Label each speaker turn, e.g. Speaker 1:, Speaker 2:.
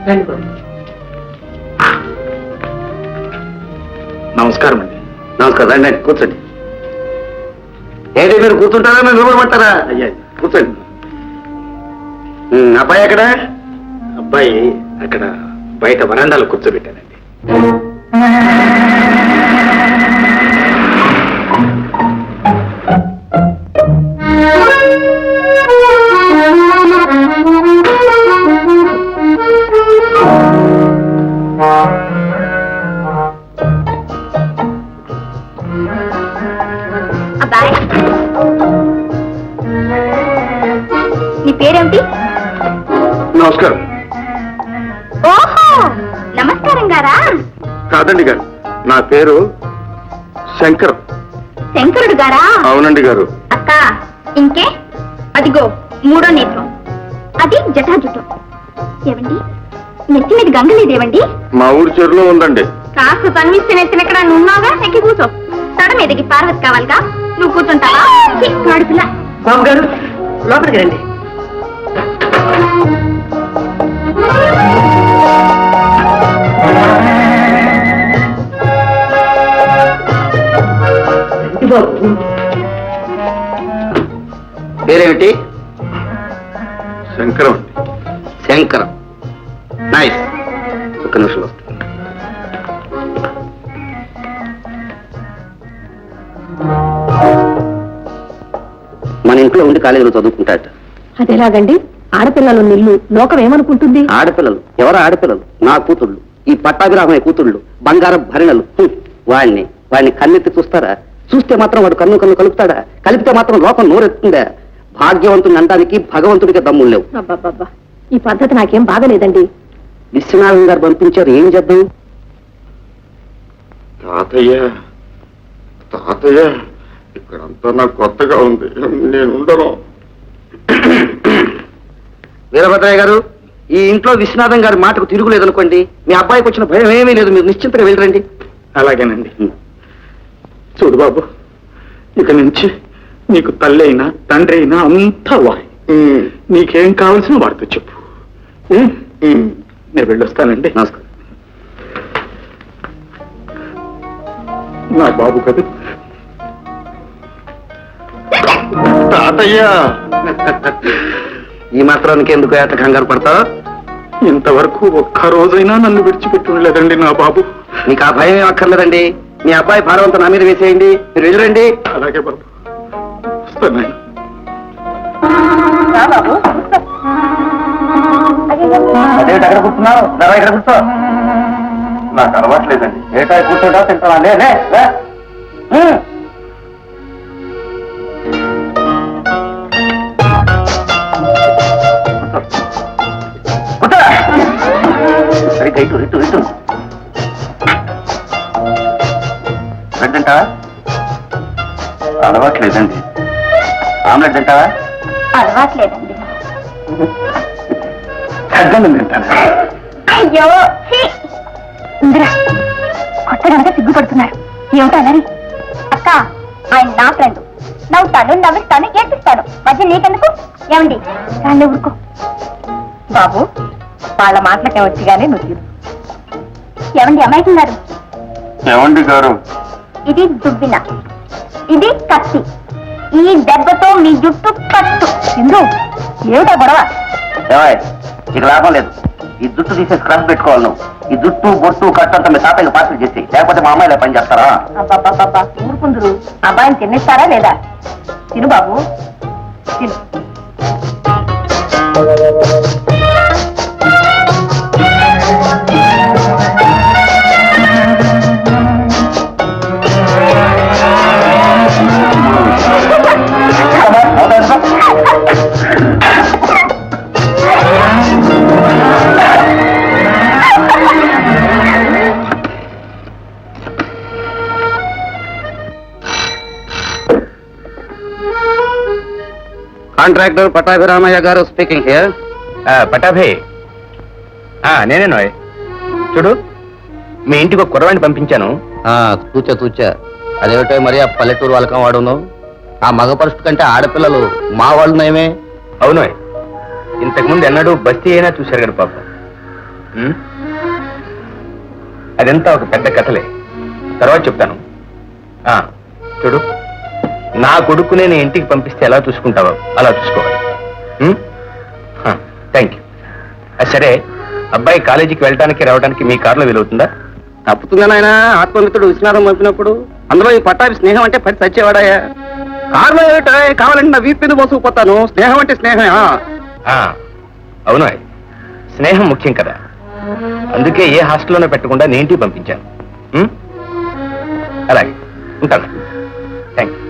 Speaker 1: నమస్కారం అండి.
Speaker 2: నమస్కారం. రండి కూర్చోండి. ఏంటి మీరు కూర్చుంటారా మీరు నిలబడమంటారా?
Speaker 1: అయ్యా
Speaker 2: కూర్చోండి. అబ్బాయి ఎక్కడ?
Speaker 1: అబ్బాయి అక్కడ బయట వరండాలో కూర్చోబెట్టానండి.
Speaker 3: అబ్బాయి, నీ పేరేమిటి?
Speaker 2: నమస్కారం.
Speaker 3: ఓహో, నమస్కారం గారా?
Speaker 2: కాదండి గారు, నా పేరు శంకర్.
Speaker 3: శంకరుడు గారా?
Speaker 2: అవునండి గారు.
Speaker 3: అక్క, ఇంకే అదిగో మూడో నేత్రం, అది జటాజుటం. ఏవండి, నెత్తి మీద గంగ లేదేవండి?
Speaker 2: మా ఊరి చెరువులో ఉందండి.
Speaker 3: కాస్త తన్విస్తే నెత్తిన ఎక్కడ నున్నావుగా, ఎక్కి కూర్చో. తడ మీదకి పార్వతి కావాలిగా, నువ్వు కూర్చుంటావా? పిల్ల
Speaker 4: బాబు గారు లోపలికి రండి.
Speaker 2: పేరేమిటి?
Speaker 1: శంకరం.
Speaker 2: శంకరం. నైస్. ఒక్క నిమిషం వస్తుంది. మన ఇంట్లో ఉండి కాలేజీలో చదువుకుంటాట.
Speaker 5: అదేలాగండి? ఆడపిల్లలు నిల్లు లోకం ఏమనుకుంటుంది?
Speaker 2: ఆడపిల్లలు? ఎవరు ఆడపిల్లలు? నా కూతుళ్ళు, ఈ పట్టాభిరామయ్య కూతుళ్ళు, బంగారం భరిణలు. వాడిని కన్నెత్తి చూస్తారా? చూస్తే మాత్రం వాడు కన్ను కలుపుతాడా? కలిపితే మాత్రం లోకం నోరెత్తుందా? భాగ్యవంతుని అనడానికి భగవంతుడికి దమ్ములు లేవు.
Speaker 5: అబ్బబ్బబ్బా, ఈ పద్ధతి నాకేం బాగలేదండి.
Speaker 2: విశ్వనాథం గారు పంపించారు, ఏం చేద్దాం?
Speaker 6: తాతయ్య తాతయ్య, ఇక్కడంతా నాకు కొత్తగా ఉంది, నేను ఉండను.
Speaker 2: వీరభద్రయ్య గారు, ఈ ఇంట్లో విశ్వనాథం గారి మాటకు తిరుగులేదనుకోండి, మీ అబ్బాయికి వచ్చిన భయం ఏమీ లేదు, మీరు నిశ్చింతగా వెళ్ళరండి.
Speaker 1: అలాగేనండి. చూడు బాబు, ఇక నుంచి నీకు తల్లి అయినా తండ్రి అయినా అంతా వాయి. నీకేం కావాల్సిన వాడితో చెప్పు. నేను వెళ్ళొస్తానండి.
Speaker 2: నమస్కారం.
Speaker 1: నా బాబు కదా.
Speaker 6: తాతయ్య,
Speaker 2: ఈ మాత్రానికి ఎందుకు ఏట కంగారు పడతావు?
Speaker 1: ఇంతవరకు ఒక్క రోజైనా నన్ను విడిచిపెట్టి ఉండలేదండి నా బాబు.
Speaker 2: మీకు ఆ భయం ఏం అక్కర్లేదండి. మీ అబ్బాయి భారవంతం నా మీద వేసేయండి, మీరు వెళ్ళరండి.
Speaker 1: అలాగే బాబు, వస్తాను.
Speaker 2: అదేమిటి అక్కడ కూర్చున్నావు? ఇక్కడ కూర్చో.
Speaker 6: నాకు అలవాట్లేదండి.
Speaker 2: ఏటా కూర్చోటా తింటావా? సరిగ్గా ఇటు ఇటు ఇటు. బ్రెడ్ తింటావా?
Speaker 6: అలవాట్లేదండి.
Speaker 2: ఆమ్లెట్ తింటావా?
Speaker 3: అలవాట్లేదండి.
Speaker 2: అడ్డం తింటాను.
Speaker 3: అయ్యో, ఇందిరా కొత్తగా సిగ్గుపడుతున్నారు. ఏమిటో అన్నది? అక్క, ఆయన నా ఫ్రెండ్. నవ్వుతాను, నవ్విస్తాను, ఏడ్పిస్తాను. మధ్య నీకెందుకు? ఏమండి, రాళ్ళే ఊరుకో. బాబు, వాళ్ళ మాటలకే వచ్చిగానే నువ్వు తీరు. ఏమండి అమ్మాయికున్నారు?
Speaker 6: ఏమండి గారు?
Speaker 3: ఇది దుబ్బిన, ఇది కత్తి. ఈ దెబ్బతో మీ జుట్టు కట్టు. ఇందు, ఏమిటా గొడవ?
Speaker 2: ఇక లాభం లేదు. ఈ జుట్టు తీసేసి క్రష్ పెట్టుకోవాలి నువ్వు. ఈ జుట్టు బొట్టు కట్టంతా మీ తాతయ్య పార్సల్ చేసి, లేకపోతే మా అమ్మాయిలా పని చేస్తారా?
Speaker 3: అబ్బాబ్బాబ్బా, ఊరుకుందరు. అబ్బాయిని తిన్నిస్తారా లేదా? తిను బాబు, తిను.
Speaker 2: కాంట్రాక్టర్ పట్టాభిరామయ్య గారు స్పీకింగ్ హియర్.
Speaker 7: పటాభే, నేనే నోయ్. చూడు, మీ ఇంటికి ఒక కుర్రవాణ్ణి పంపించాను.
Speaker 2: తూచా అదేమిటో మరి ఆ పల్లెటూరు వాళ్ళకం వాడును. ఆ మగ పరుషుడు కంటే ఆడపిల్లలు మా వాళ్ళు నయమే.
Speaker 7: అవునోయ్, ఇంతకుముందు ఎన్నడూ బస్తీ అయినా చూశారు కదా పాప. ఉమ్? అదంతా ఒక పెద్ద కథలే, తర్వాత చెప్తాను. చూడు, నా కొడుకు నేను ఇంటికి పంపిస్తే ఎలా చూసుకుంటావో అలా చూసుకోవాలి. Thank you. సరే, అబ్బాయి కాలేజీకి వెళ్ళడానికి రావడానికి మీ కారులో వీలవుతుందా?
Speaker 2: తప్పుతుందా నాయన? ఆత్మమిత్రుడు విశ్వనాథం పంపినప్పుడు అందులో ఈ పట్టాభి స్నేహం అంటే పడి చచ్చేవాడాయా? కారులో ఏమిటో కావాలంటే నా వీపు మీద మోసుకుపోతాను. స్నేహం అంటే స్నేహమే.
Speaker 7: అవును, స్నేహం ముఖ్యం కదా, అందుకే ఏ హాస్టల్లోనే పెట్టకుండా నేను ఇంటికి పంపించాను. అలాగే ఉంటాను. Thank you.